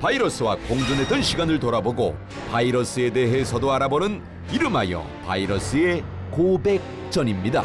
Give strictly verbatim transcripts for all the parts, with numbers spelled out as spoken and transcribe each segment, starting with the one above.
바이러스와 공존했던 시간을 돌아보고 바이러스에 대해서도 알아보는 이름하여 바이러스의 고백전입니다.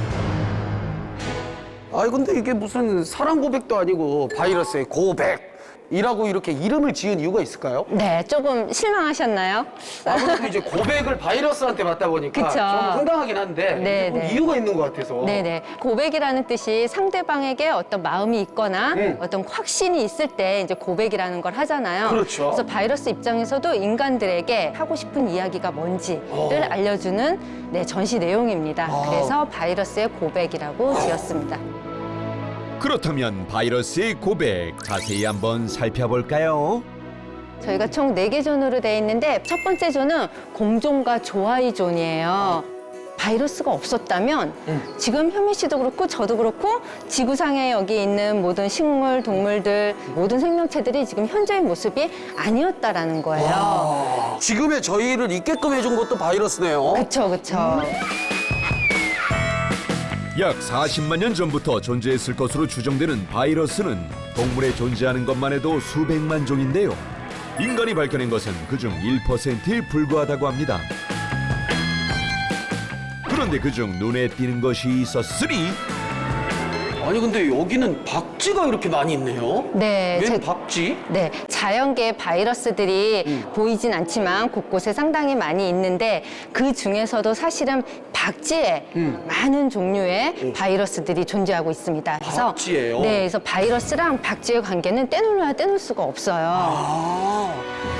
아니 근데 이게 무슨 사랑 고백도 아니고 바이러스의 고백이라고 이렇게 이름을 지은 이유가 있을까요? 네, 조금 실망하셨나요? 아무래도 이제 고백을 바이러스한테 받다 보니까 그쵸. 좀 황당하긴 한데 네, 꼭 네. 이유가 있는 것 같아서. 네네. 고백이라는 뜻이 상대방에게 어떤 마음이 있거나 음. 어떤 확신이 있을 때 이제 고백이라는 걸 하잖아요. 그렇죠. 그래서 바이러스 입장에서도 인간들에게 하고 싶은 이야기가 뭔지를 어. 알려주는 네, 전시 내용입니다. 아. 그래서 바이러스의 고백이라고 지었습니다. 그렇다면 바이러스의 고백 자세히 한번 살펴볼까요? 저희가 총 네 개 존으로 되어 있는데 첫 번째 존은 공존과 조화의 존이에요. 바이러스가 없었다면 지금 현미 씨도 그렇고 저도 그렇고 지구상에 여기 있는 모든 식물, 동물들, 모든 생명체들이 지금 현재의 모습이 아니었다라는 거예요. 아, 지금의 저희를 있게끔 해준 것도 바이러스네요. 그쵸, 그쵸. 약 사십만 년 전부터 존재했을 것으로 추정되는 바이러스는 동물에 존재하는 것만 해도 수백만 종인데요. 인간이 밝혀낸 것은 그중 일 퍼센트에 불과하다고 합니다. 그런데 그중 눈에 띄는 것이 있었으니 아니 근데 여기는 박쥐가 이렇게 많이 있네요. 네, 웬 제- 박쥐? 네, 자연계의 바이러스들이 음. 보이진 않지만 곳곳에 상당히 많이 있는데 그 중에서도 사실은 박쥐에 음. 많은 종류의 바이러스들이 존재하고 있습니다. 그래서 박쥐예요? 네, 그래서 바이러스랑 박쥐의 관계는 떼놓아야 떼놓을 수가 없어요. 아,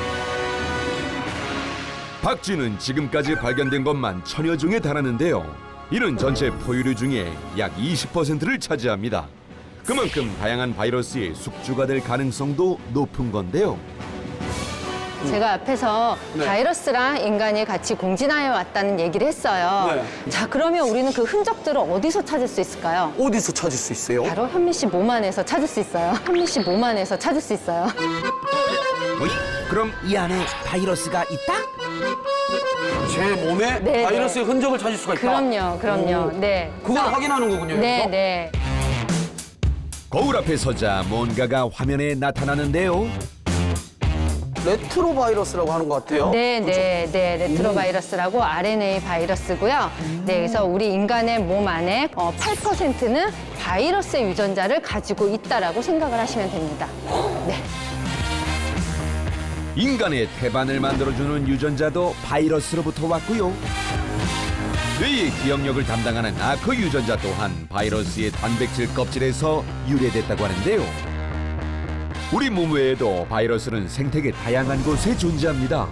박쥐는 지금까지 발견된 것만 천여 종에 달하는데요. 이는 전체 포유류 중에 약 이십 퍼센트를 차지합니다. 그만큼 다양한 바이러스의 숙주가 될 가능성도 높은 건데요. 제가 앞에서 네. 바이러스랑 인간이 같이 공진하여 왔다는 얘기를 했어요. 네. 자, 그러면 우리는 그 흔적들을 어디서 찾을 수 있을까요? 어디서 찾을 수 있어요? 바로 현미 씨 몸 안에서 찾을 수 있어요. 현미 씨 몸 안에서 찾을 수 있어요. 어이? 그럼 이 안에 바이러스가 있다? 제 몸에 네, 바이러스의 흔적을 찾을 수가 있다. 그럼요, 그럼요. 오. 네. 그걸 확인하는 거군요. 네, 여기서? 네. 거울 앞에 서자 뭔가가 화면에 나타나는데요. 레트로 바이러스라고 하는 것 같아요. 네, 네, 네. 레트로바이러스라고 알엔에이 바이러스고요. 네, 그래서 우리 인간의 몸 안에 어, 팔 퍼센트는 바이러스의 유전자를 가지고 있다라고 생각을 하시면 됩니다. 네. 인간의 태반을 만들어주는 유전자도 바이러스로부터 왔고요. 뇌의 기억력을 담당하는 아크 유전자 또한 바이러스의 단백질 껍질에서 유래됐다고 하는데요. 우리 몸 외에도 바이러스는 생태계 다양한 곳에 존재합니다.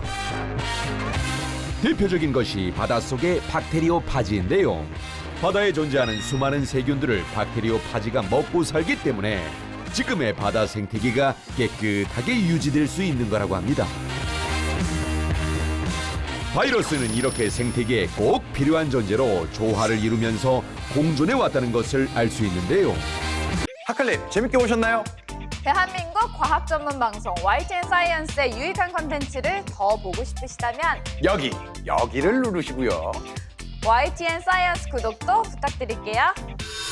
대표적인 것이 바닷속의 박테리오파지인데요. 바다에 존재하는 수많은 세균들을 박테리오파지가 먹고 살기 때문에 지금의 바다 생태계가 깨끗하게 유지될 수 있는 거라고 합니다. 바이러스는 이렇게 생태계에 꼭 필요한 존재로 조화를 이루면서 공존해 왔다는 것을 알 수 있는데요. 하클립 재밌게 보셨나요? 대한민국 과학 전문 방송 와이티엔 사이언스의 유익한 컨텐츠를 더 보고 싶으시다면 여기 여기를 누르시고요. 와이티엔 사이언스 구독도 부탁드릴게요.